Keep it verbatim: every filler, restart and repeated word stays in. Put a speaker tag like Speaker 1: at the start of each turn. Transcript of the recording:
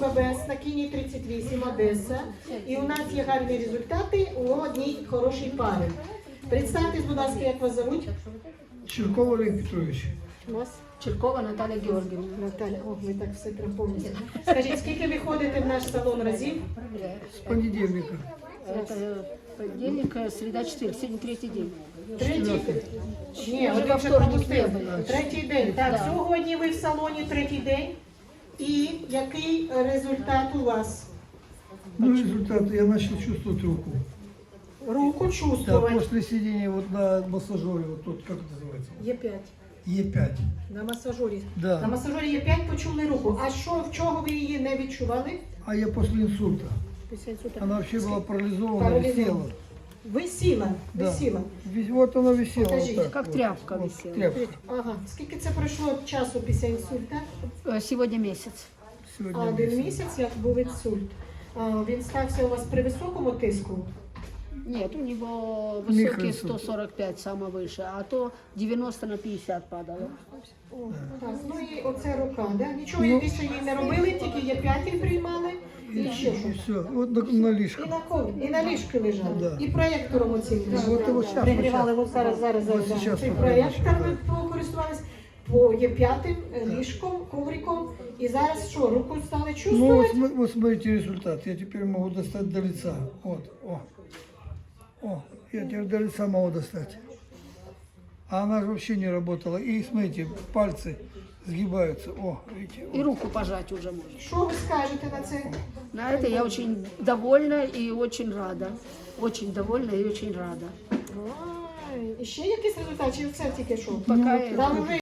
Speaker 1: ББС на Кіні тридцять вісім Одеса. І у нас є гарні результати у одній хорошій парі. Представтесь, будь ласка, як вас зовуть?
Speaker 2: Чирков Олег Петрович.
Speaker 1: Вас?
Speaker 3: Черкова Наталья Георгиевна.
Speaker 1: Наталя, о, ви так все припомните. Скажіть, скільки ви ходите в наш салон разів?
Speaker 2: С понедельника.
Speaker 3: Это понедельник, среда, четверг, сегодня третий день.
Speaker 1: Третій? Ні,
Speaker 3: Вже
Speaker 1: один
Speaker 3: во
Speaker 1: вже
Speaker 3: вторник
Speaker 1: пропустив.
Speaker 3: не було.
Speaker 1: Третій день. Так,
Speaker 3: Да.
Speaker 1: сьогодні ви в салоні третій день. І який результат у вас?
Speaker 2: Ну, результат, я начал чувствовать руку.
Speaker 1: Руку
Speaker 2: Да,
Speaker 1: чувствувати.
Speaker 2: после сидения вот на массажере, вот тут, как это называется?
Speaker 1: Є п'ять.
Speaker 2: Е пять.
Speaker 1: На масажорі.
Speaker 2: Да.
Speaker 1: На масажорі є п'ять, почули руку. А що, в чого ви її не відчували?
Speaker 2: А я после инсульта.
Speaker 1: Після інсульту.
Speaker 2: Она вообще была парализована,
Speaker 1: Парализована.
Speaker 2: висела.
Speaker 1: Висіла,
Speaker 2: Да.
Speaker 1: висіла.
Speaker 2: Вис- Вот она висела.
Speaker 1: Покажите,
Speaker 2: вот так,
Speaker 3: как
Speaker 2: вот.
Speaker 3: тряпка
Speaker 2: Вот,
Speaker 3: висела.
Speaker 2: тряпка.
Speaker 1: Ага. Скільки це пройшло часу після інсульта?
Speaker 3: Э, Сегодня месяц.
Speaker 2: Сегодня
Speaker 1: А, один
Speaker 2: месяц.
Speaker 1: місяць, як був інсульт. А, він стався у вас при високому тиску?
Speaker 3: Нет, у него высокий
Speaker 2: Микроинсульт.
Speaker 3: сто сорок пять, самое выше, а то девяносто на пятьдесят падало.
Speaker 1: О, так, ну і оце рука, да? Нічого більше їй не робили, тільки є п'яті приймали і ще
Speaker 2: И
Speaker 1: що.
Speaker 2: все, вот на, на
Speaker 1: І
Speaker 2: лишку.
Speaker 1: на кові, і на ліжку лежали,
Speaker 2: Да.
Speaker 1: і проєктором оцим
Speaker 2: Вот его сейчас,
Speaker 1: пригрівали.
Speaker 2: вот
Speaker 1: От зараз, зараз, зараз.
Speaker 2: От
Speaker 1: да.
Speaker 2: сейчас
Speaker 1: Цей
Speaker 2: покажу,
Speaker 1: проєктор
Speaker 2: да.
Speaker 1: ви покористувались, по є п'ятим е, ліжком, ковриком. І зараз що, руку стали
Speaker 2: Ну, вот,
Speaker 1: чувствувати?
Speaker 2: см- вот смотрите результат. Я теперь могу достать до лица. Вот, о. О, я теперь до лица могу достать. А она же вообще не работала. И смотрите, пальцы сгибаются. О, видите.
Speaker 3: И руку пожать уже можно.
Speaker 1: Що ви скажете на це?
Speaker 3: На это я очень довольна и очень рада. Очень довольна и очень рада.
Speaker 1: Ай, і ще якийсь результат, чи це тільки що?
Speaker 3: Пока я-
Speaker 1: Там вже